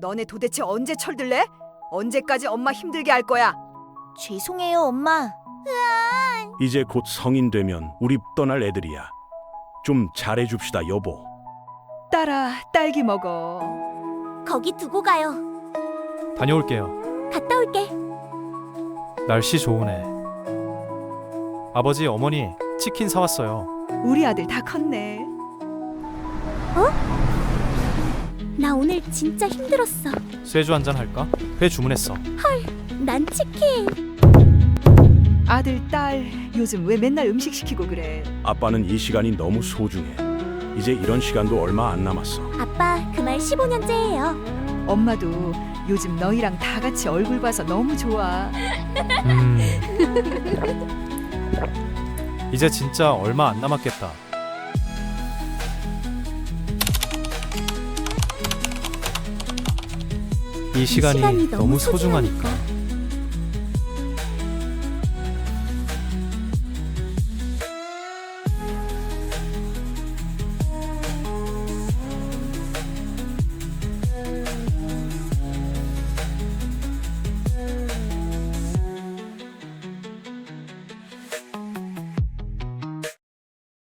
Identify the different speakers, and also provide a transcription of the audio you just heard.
Speaker 1: 너네 도대체 언제 철들래? 언제까지 엄마 힘들게 할 거야?
Speaker 2: 죄송해요, 엄마.
Speaker 3: 이제 곧 성인 되면 우리 떠날 애들이야. 좀 잘해줍시다, 여보.
Speaker 1: 딸아, 딸기 먹어.
Speaker 2: 거기 두고 가요.
Speaker 4: 다녀올게요.
Speaker 2: 갔다 올게.
Speaker 4: 날씨 좋으네. 아버지, 어머니 치킨 사왔어요.
Speaker 1: 우리 아들 다 컸네.
Speaker 2: 나 오늘 진짜 힘들었어.
Speaker 4: 쇠주 한잔 할까? 회 주문했어.
Speaker 2: 난 치킨.
Speaker 1: 아들, 딸, 요즘 왜 맨날 음식 시키고 그래?
Speaker 3: 아빠는 이 시간이 너무 소중해. 이제 이런 시간도 얼마 안 남았어.
Speaker 2: 아빠, 그 말 15년째예요.
Speaker 1: 엄마도 요즘 너희랑 다 같이 얼굴 봐서 너무 좋아.
Speaker 4: 이제 진짜 얼마 안 남았겠다. 이 시간이 너무 소중하니까.